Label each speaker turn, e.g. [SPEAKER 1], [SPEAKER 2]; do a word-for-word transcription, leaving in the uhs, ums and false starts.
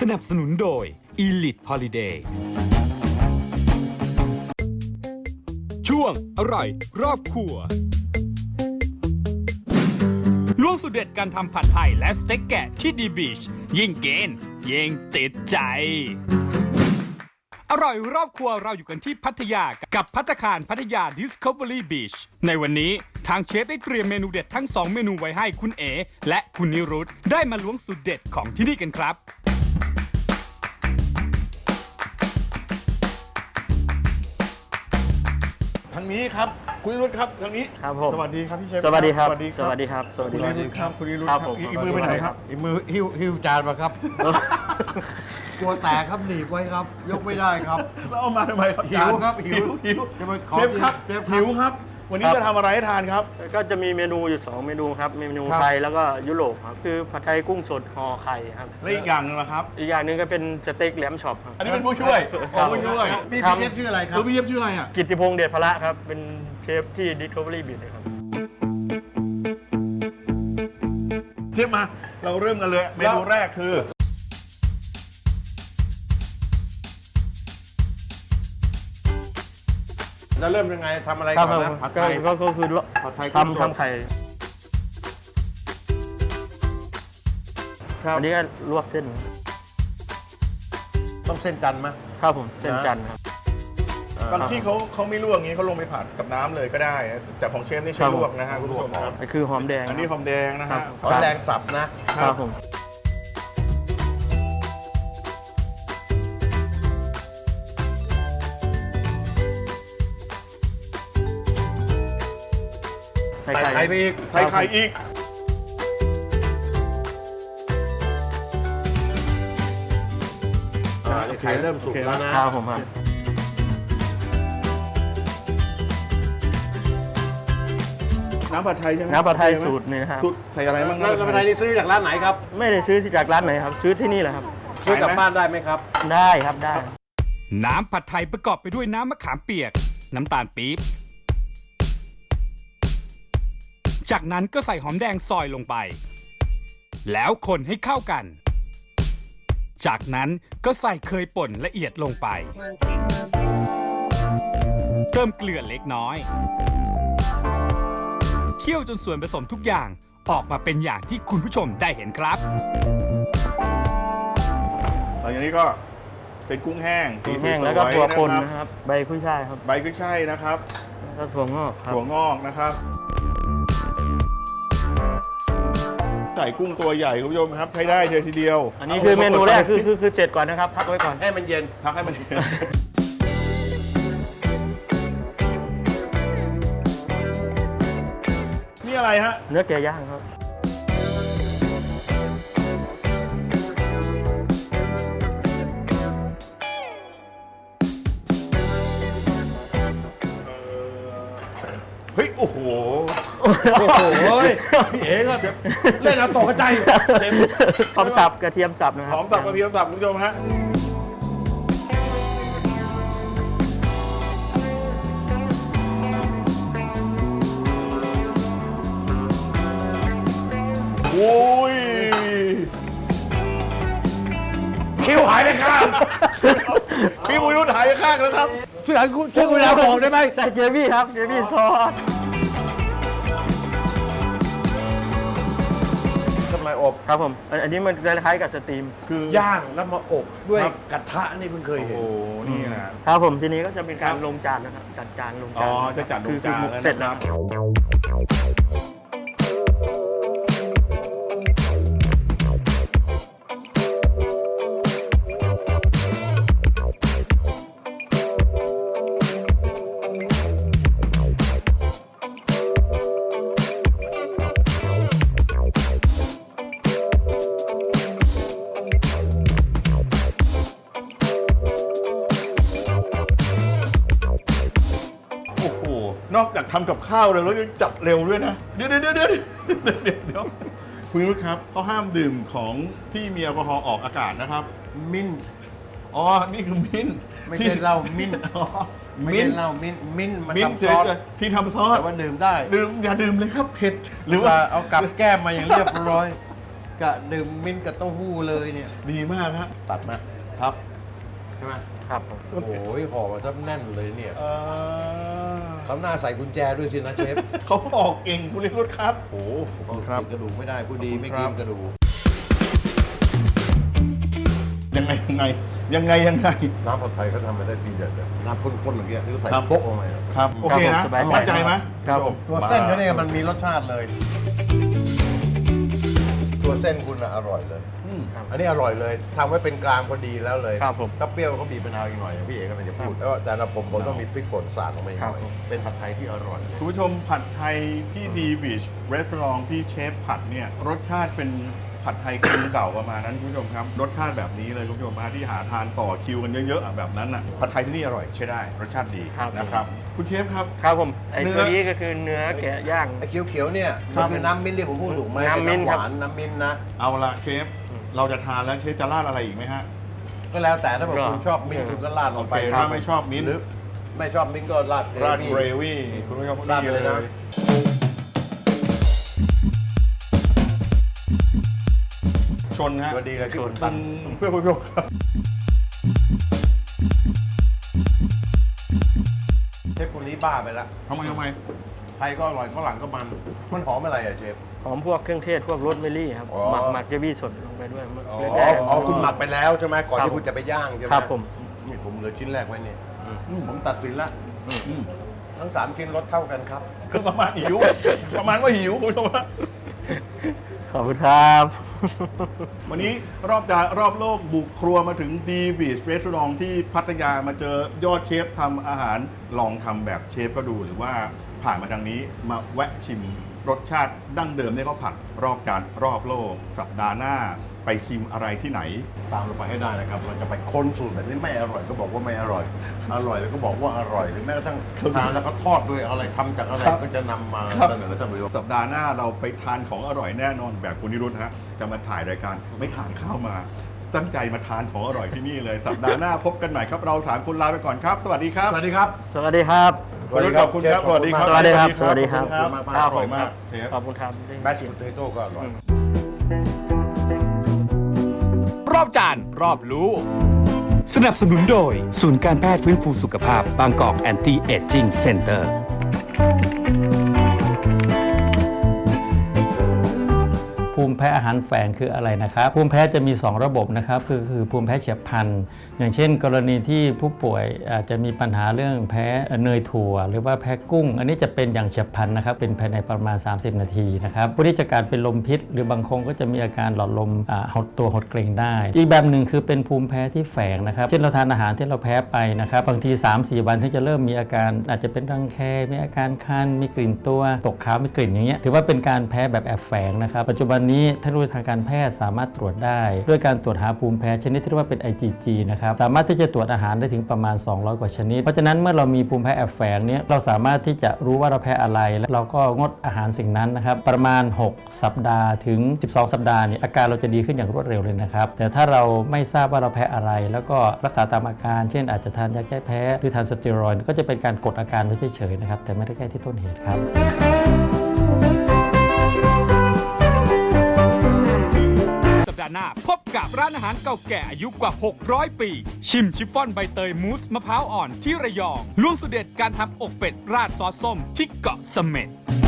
[SPEAKER 1] นับสนุนโดย Elite Holiday ช่วงอร่อยรอบครัวล่วงสุดเด็ดการทำผัดไทยและสเต็กแกะที่ดีบีชยิ่งกินยิ่งติดใจอร่อยรอบครัวเราอยู่กันที่พัทยากับภัตตาคารพัทยา Discovery Beach ในวันนี้ทางเชฟได้เตรียมเมนูเด็ดทั้งสองเมนูไว้ให้คุณเอและคุณนิรุตได้มาล้วงสูตรเด็ดของที่นี่กันครับ
[SPEAKER 2] ทางนี้ครับคุณนิรุตครับทางนี้
[SPEAKER 3] ครับผม
[SPEAKER 2] สวัสดีครับพี่เชฟ
[SPEAKER 3] สวัสดีครับ
[SPEAKER 2] สวัสดีครับ
[SPEAKER 3] สวัสดีครับ สวัส
[SPEAKER 2] คุ
[SPEAKER 3] ดี
[SPEAKER 2] ณ
[SPEAKER 3] ค
[SPEAKER 2] นิ
[SPEAKER 3] รับ
[SPEAKER 2] รุตครับคุณนิรุต
[SPEAKER 3] ครับผม
[SPEAKER 2] อีกมือไปไหนครับ
[SPEAKER 4] อีกมือหิ้วหิ้วจานมาครับกลัวแตกครับหนีบไว้ครับ ยกไม่ได้ครับ
[SPEAKER 2] แล้วเอามาทำไมครับ
[SPEAKER 4] หิวครับหิว
[SPEAKER 2] หิว
[SPEAKER 4] จะมาขอ
[SPEAKER 2] เชฟครับ
[SPEAKER 4] เชฟครับ
[SPEAKER 2] หิวครับ วันนี้จะทำอะไรให้ทานครับ
[SPEAKER 3] ก็จะมีเมนูอยู่สองเมนูครับ เมนู
[SPEAKER 2] ครับ
[SPEAKER 3] ไทยแล้วก็ยุโรปครับ คือผัดไทยกุ้งสดห่อไข่ครับ
[SPEAKER 2] และอีกอย่างหนึงนะครับ
[SPEAKER 3] อีกอย่างหนึ่งก็เป็นสเต็กแหลมช็อปครับ
[SPEAKER 2] อันนี้เป็นผู้ช่วย
[SPEAKER 3] ครับ
[SPEAKER 2] ผู้ช่วย
[SPEAKER 4] พี่
[SPEAKER 3] ครับ
[SPEAKER 4] พี่เชฟชื่ออะไรครั
[SPEAKER 2] เอบ อพี่เชฟชื่ออะไรอ่ะ
[SPEAKER 3] กิตติพงษ์เดชพละครับ เป็นเชฟที่ Discovery Beach ครับ
[SPEAKER 2] เชฟมาเราเริ่มกันเลยเมนูแรกคือ
[SPEAKER 4] แล้วเริ่มยังไงทำอะไร
[SPEAKER 3] ครับ
[SPEAKER 4] ก่อนนะผัดไทย
[SPEAKER 3] ก็ก็คือ
[SPEAKER 4] ผัดไทยกุ้งสด
[SPEAKER 3] ทำทำไข่
[SPEAKER 2] ครับ
[SPEAKER 3] อันนี้ก็ลวกเส้น
[SPEAKER 4] ต้องเส้นจันทร์ไหม
[SPEAKER 3] ครับผมเส้นจันทร์ครับ
[SPEAKER 2] บางที่เขาเขาไม่ลวกอย่างนี้เขาลงไปผัดกับน้ำเลยก็ได้นะแต่ของเชฟนี่ใช้ลวกนะฮะคุณผู้ชมครับ
[SPEAKER 3] อันคือหอมแดง
[SPEAKER 2] อันนี้หอมแดงนะ
[SPEAKER 3] ครั
[SPEAKER 2] ฮะ
[SPEAKER 3] บ
[SPEAKER 4] ขอแรงสับนะ
[SPEAKER 3] ครับผม
[SPEAKER 4] ใส่ไข่ไปอีก
[SPEAKER 2] ไข่ไข่อีก
[SPEAKER 4] อ่านี่ไข่เริ่มสุกแล้วนะ
[SPEAKER 3] ครับผมครับ
[SPEAKER 2] น้ำผัดไทยใช่ไหม
[SPEAKER 3] น้ำผัดไทยสูตรนี่นะครับ
[SPEAKER 2] สูตรใส่อะไรบ้าง
[SPEAKER 4] แล้วแล้วผัดไทยนี่ซื้อจากร้านไหนครับ
[SPEAKER 3] ไม่ได้ซื้อจากร้านไหนครับ ซื้อที่นี่แหละครับ
[SPEAKER 4] ซื้อกลับบ้านได้ไหมครับ
[SPEAKER 3] ได้ครับได้
[SPEAKER 1] น้ำผัดไทยประกอบไปด้วยน้ำมะขามเปียกน้ำตาลปี๊บจากนั้นก็ใส่หอมแดงซอยลงไป แล้วคนให้เข้ากัน จากนั้นก็ใส่เคยป่นละเอียดลงไป เติมเกลือเล็กน้อย เคี่ยวจนส่วนผสมทุกอย่างออกมาเป็นอย่างที่คุณผู้ชมได้เห็นครับ
[SPEAKER 2] หลังจากนี้ก็เป็นกุ้งแห้งสี
[SPEAKER 3] แห้ง
[SPEAKER 2] สยๆ
[SPEAKER 3] แล้วก็ถั่วป่น
[SPEAKER 2] นะ
[SPEAKER 3] นะ
[SPEAKER 2] ค
[SPEAKER 3] ครับ รับ ใบกุ้ยช่ายครับ
[SPEAKER 2] ใบกุ้ยช่ายนะครับ
[SPEAKER 3] แล้วก็ถั่วงอกครับ
[SPEAKER 2] ถั่วงอกนะครับใส่กุ้งตัวใหญ่คุณผู้ชมครับใช้ได้เลยทีเดียว
[SPEAKER 3] อันนี้คือเมนูแรกคือคือคือเสร็จก่อนนะครับ พักไว้ก่อน
[SPEAKER 4] ให้มันเย็น
[SPEAKER 2] พักให้มัน นี่อะไรฮะ
[SPEAKER 3] เนื้อแกะย่างครับ
[SPEAKER 2] เฮ้ย โอ้โห
[SPEAKER 4] โอ้โหพี่เอ๋ก็เล่นเอาตกกระจาย
[SPEAKER 3] หอมสับกระเทียมสับนะครั
[SPEAKER 2] หอมสับกระเทียมสับคุณผู้ชมฮะ โอ้ย
[SPEAKER 4] คิวหายไปข้าง
[SPEAKER 2] พี่บุญรุ่นหายไปข้างแล้วครับ
[SPEAKER 4] ช่วยช่วยเวลาบอกได้ไหม
[SPEAKER 3] ใส่เกรวี่ครับเกรวี่ซอส
[SPEAKER 4] ทำไมอบ
[SPEAKER 3] ครับผมอันอันนี้มันคล้ายๆกับสตรีม
[SPEAKER 2] คือย่าง
[SPEAKER 4] แล้วมาอบด้วย
[SPEAKER 2] ครับ
[SPEAKER 4] กระทะนี่เพิ่งเคย
[SPEAKER 2] โอ้
[SPEAKER 4] เห็น
[SPEAKER 2] โห นี่นะ
[SPEAKER 3] ครับผมทีนี้ก็จะเป็นการ
[SPEAKER 2] ครับ
[SPEAKER 3] ลงจานนะครับจัดจานลง
[SPEAKER 2] อ๋
[SPEAKER 3] จา
[SPEAKER 2] อน จะจัดลง
[SPEAKER 3] คือ
[SPEAKER 2] จาน
[SPEAKER 3] คือ
[SPEAKER 2] แล้ว
[SPEAKER 3] เสร็จ
[SPEAKER 2] นะ
[SPEAKER 3] แล้
[SPEAKER 2] คว รับ โอ้โห นอกจากทำกับข้าวเลยแล้วยังจัดเร็วด้วยนะ เดี๋ยวเดี๋ยวเดี๋ยวเดี๋ยวเดี๋ยวเดี๋ยวคุณรู้ครับเขาห้ามดื่มของที่มีแอลกอฮอล์ออกอากาศนะครับ
[SPEAKER 4] มิ้นท์
[SPEAKER 2] อ๋อ นี่คือมิ้นท์
[SPEAKER 4] ไม่ใช่เหล้ามิ้นท์
[SPEAKER 2] อ๋อ
[SPEAKER 4] ไม่
[SPEAKER 2] มิ้
[SPEAKER 4] ใช่
[SPEAKER 2] นท์
[SPEAKER 4] เหล้ามิ้นท์มิ้นท์มัน
[SPEAKER 2] มิ้นท์
[SPEAKER 4] ทำซอส
[SPEAKER 2] เฉยๆที่ทำซอส
[SPEAKER 4] แต่ว่าดื่มได้
[SPEAKER 2] ดื่มอย่าดื่มเลยครับเผ็ด ห
[SPEAKER 4] ห
[SPEAKER 2] รื
[SPEAKER 4] รือ อ
[SPEAKER 2] ว่า
[SPEAKER 4] ว่าเอากลับแก้มมาอย่างเรียบร้อยกะดื่มมิ้นท์กับเต้าหู้เลยเนี่ย
[SPEAKER 2] ดีมากฮะ
[SPEAKER 4] ตัดมา
[SPEAKER 2] ครับ
[SPEAKER 4] ใช่ไหม
[SPEAKER 3] ครับผม
[SPEAKER 4] โอ้ยห่อมาซะแน่นเลยเนี่ย
[SPEAKER 2] เอ่อ
[SPEAKER 4] เขาหน้าใส่กุญแจด้วยสินะเชฟ
[SPEAKER 2] เขาออกเก่งคุณนิรุตครับ
[SPEAKER 4] โอ้โห
[SPEAKER 2] ขอบคุณครับ
[SPEAKER 4] กินกระดูกไม่ได้ผู้ดีไม่
[SPEAKER 2] ขอบ
[SPEAKER 4] กิ
[SPEAKER 2] คุ
[SPEAKER 4] น
[SPEAKER 2] ณครับ
[SPEAKER 4] กระดูก
[SPEAKER 2] ยังไงยังไงยังไงยังไง
[SPEAKER 4] น้ำผัดไทยเขาทำมาได้ดีเด็ดเลยน้ำข้นๆอย่างเงี้ยที่เขาใส่
[SPEAKER 2] ครับ
[SPEAKER 4] โป๊ะลงไปอะ
[SPEAKER 2] ครับโอเคนะ
[SPEAKER 3] สบายใจ
[SPEAKER 2] มั่นใจไหม
[SPEAKER 3] ครับผม
[SPEAKER 4] ตัวเส้นเขาเนี่ยมันมีรสชาติเลย ตัวเส้นคุณอะอร่อยเลย
[SPEAKER 2] อืม
[SPEAKER 4] อันนี้อร่อยเลยทำไว้เป็นกลางพอดีแล้วเลย
[SPEAKER 3] ครับผม
[SPEAKER 4] ถ้าเปรี้ยวเขาบีบมะนาวอีกหน่อยอย่างพี่เอกกำลังจะพูดแล้วแต่ละผมผมต้องมีพริกป่นสาดลงไปอีกหน่อย
[SPEAKER 3] ครับผม
[SPEAKER 4] เป็นผัดไทยที่อร่อยเลย
[SPEAKER 2] คุณผู้ชมผัดไทยที่ดีบีชรีสอร์ทที่เชฟผัดเนี่ยรสชาติเป็นผัดไทยครึ่งเก่าประมาณนั้นคุณผู้ชมครับรสชาติแบบนี้เลยคุณผู้ชมมาที่หาทานต่อคิวกันเยอะๆอ่ะแบบนั้นอ่ะผัดไทยที่นี่อร่อยใช้ได้รสชาติดี
[SPEAKER 3] ครับ
[SPEAKER 2] นะครับคุณเชฟครับ
[SPEAKER 3] ครับผมไอ้
[SPEAKER 2] เนื้อ
[SPEAKER 3] ตัวนี้ก็คือเนื้อแกะย่าง
[SPEAKER 4] ไอ้เขียวๆเนี่ย
[SPEAKER 2] ครั
[SPEAKER 4] มัน
[SPEAKER 2] บ
[SPEAKER 4] คือน้ำมิ้นท์ที่ผมพูดถูกไหม
[SPEAKER 3] น้ำมิ้นท์
[SPEAKER 4] ห
[SPEAKER 3] ครับ
[SPEAKER 4] วานน้ำมิ้นท์นะ
[SPEAKER 2] เอาละเชฟ
[SPEAKER 3] อืม
[SPEAKER 2] เราจะทานแล้วเชฟจะราดอะไรอีกไหมฮะ
[SPEAKER 4] ก็แล้วแต่ถ้าบอก
[SPEAKER 3] ก็
[SPEAKER 4] คุณชอบมิ้นท์
[SPEAKER 3] เออ
[SPEAKER 4] คุณก็ราดล
[SPEAKER 2] โอง เค
[SPEAKER 4] ไป
[SPEAKER 2] ถ้าไม่ชอบมิ้นท์
[SPEAKER 4] หรือไม่ชอบมิ้นท์ก็ราดเกร
[SPEAKER 2] ราด
[SPEAKER 4] วี่
[SPEAKER 2] เกรวี่คุณผู้ชม
[SPEAKER 4] ราดไปเลยนะ
[SPEAKER 2] ชนฮะ
[SPEAKER 4] ตัวดีเลยที่คุณ
[SPEAKER 2] ตั
[SPEAKER 4] ตั
[SPEAKER 2] น
[SPEAKER 4] น
[SPEAKER 2] เพื่อคุณผู้ชมครับ
[SPEAKER 4] เชฟคนนี้บ้าไปแล้ว
[SPEAKER 2] ทำไมทำไม
[SPEAKER 4] ไทยก็อร่อยฝรั่งก็มันมันหอมอะไรอะเชฟ
[SPEAKER 3] หอมพวกเครื่องเทศพวกโรสเมลี่ครับ
[SPEAKER 4] อ๋อ
[SPEAKER 3] หมักหมักเกรวี่สดลงไปด้วย
[SPEAKER 2] อ๋อ
[SPEAKER 3] เกลือ
[SPEAKER 4] อ๋
[SPEAKER 3] แด
[SPEAKER 4] อง อ๋อคุณหมักไปแล้วใช่ไหมก่อน
[SPEAKER 3] ครับ
[SPEAKER 4] ที่คุณจะไปย่างใช่ไหม
[SPEAKER 3] ครับผม
[SPEAKER 4] นี่ผมเหลือชิ้นแรกไว้เนี่ย
[SPEAKER 2] อืม
[SPEAKER 4] ผมตัดสินละ
[SPEAKER 2] อืม
[SPEAKER 4] ทั้งสามชิ้นรสเท่ากันครับ
[SPEAKER 2] คือประมาณหิว ประมาณว่าหิวคุณผู้ชมฮะ
[SPEAKER 3] ขอบคุณครับ
[SPEAKER 2] วันนี้รอบจารอบโลกบุกครัวมาถึงดีบีชรีสอร์ทที่พัทยามาเจอยอดเชฟทำอาหารลองทำแบบเชฟก็ดูหรือว่าผ่านมาทางนี้มาแวะชิมรสชาติดั้งเดิมที่เขาผัดรอบจานรอบโลก สัปดาห์หน้าไปชิมอะไรที่ไหน
[SPEAKER 4] ตามเราไปให้ได้นะครับ เราจะไปค้นสูตรแบบนี้ไม่อร่อยก็บอกว่าไม่อร่อย อร่อยแล้วก็บอกว่าอร่อยหรือแม้กระทั่งทานแล้วก็ทอดด้วยอะไรทำจากอะไร
[SPEAKER 2] ครับ
[SPEAKER 4] ก็จะนำมา
[SPEAKER 2] ครับ
[SPEAKER 4] เสนอท่านผู้ชม
[SPEAKER 2] สัปดาห์หน้าเราไปทานของอร่อยแน่นอนแบบคุณนิรุธฮะจะมาถ่ายรายการไม่ทานข้าวมา ตั้งใจมาทานของอร่อยที่นี่เลย สัปดาห์หน้าพบกันใหม่ครับเราสามคนลาไปก่อนครับ สวัสดีครับ
[SPEAKER 4] สวัสดีครับ
[SPEAKER 3] สวัสดีครับ
[SPEAKER 2] ขอบคุณครับสวัสดีครับ
[SPEAKER 3] สวัสดีครับสวัสดีครับ
[SPEAKER 2] ขอณ
[SPEAKER 4] ครับ
[SPEAKER 2] อร่อยมากเชฟ
[SPEAKER 3] ขอบคุณครับ
[SPEAKER 4] แมชโพเตโต้ก็อร่อย
[SPEAKER 1] รอบจานรอบรู้ สนับสนุนโดย ศูนย์การแพทย์ฟื้นฟูสุขภาพบางกอกแอนตี้เอจจิ้งเซ็นเตอร์
[SPEAKER 5] ภูมิแพ้อาหารแฝงคืออะไรนะครับภูมิแพ้จะมี สอง ระบบนะครับคือคือภูมิแพ้เฉียบพลันอย่างเช่น กรณีที่ผู้ป่วยอาจจะมีปัญหาเรื่องแพ้เนยถั่ว หรือว่าแพ้กุ้ง อันนี้จะเป็นอย่างเฉียบพลันนะครับเป็นภายในประมาณ สามสิบ นาทีนะครับผู้ที่จะการเป็นลมพิษ หรือบางคนก็จะมีอาการหลอดลมอ่าหดตัวหดเกร็งได้ อีกแบบหนึ่งคือเป็นภูมิแพ้ที่แฝงนะครับเช่นเราทานอาหารที่เราแพ้ไปนะครับบางที สามสี่ วันถึงจะเริ่มมีอาการอาจจะเป็นรังแคมีอาการคันมีกลิ่นตัวตกขาวมีกลิ่นอย่างเงี้ยถือว่าเป็นการแพ้แบบแอบแฝงนะครับปัจจุบันนี้เทคโนโลยีทางการแพทย์สามารถตรวจได้ด้วยการตรวจหาภูมิแพ้ชนิดที่เรียกว่าเป็น ไอ จี จี นะครับสามารถที่จะตรวจอาหารได้ถึงประมาณสองร้อยกว่าชนิดเพราะฉะนั้นเมื่อเรามีภูมิแพ้แอบแฝงเนี้ยเราสามารถที่จะรู้ว่าเราแพ้อะไรและเราก็งดอาหารสิ่งนั้นนะครับประมาณหกสัปดาห์ถึงสิบสองสัปดาห์เนี่ยอาการเราจะดีขึ้นอย่างรวดเร็วเลยนะครับแต่ถ้าเราไม่ทราบว่าเราแพ้อะไรแล้วก็รักษาตามอาการเช่นอาจจะทานยาแก้แพ้หรือทานสเตียรอยด์ก็จะเป็นการกดอาการไว้เฉยๆนะครับแต่ไม่ได้แก้ที่ต้นเหตุครับ
[SPEAKER 1] สัปดาห์หน้าพบกับร้านอาหารเก่าแก่อายุกว่า หกร้อย ปี ชิมชิฟฟ่อนใบเตยมูสมะพร้าวอ่อนที่ระยองล้วงสูตรเด็ดการทำอกเป็ดราดซอสส้มที่เกาะเสม็ด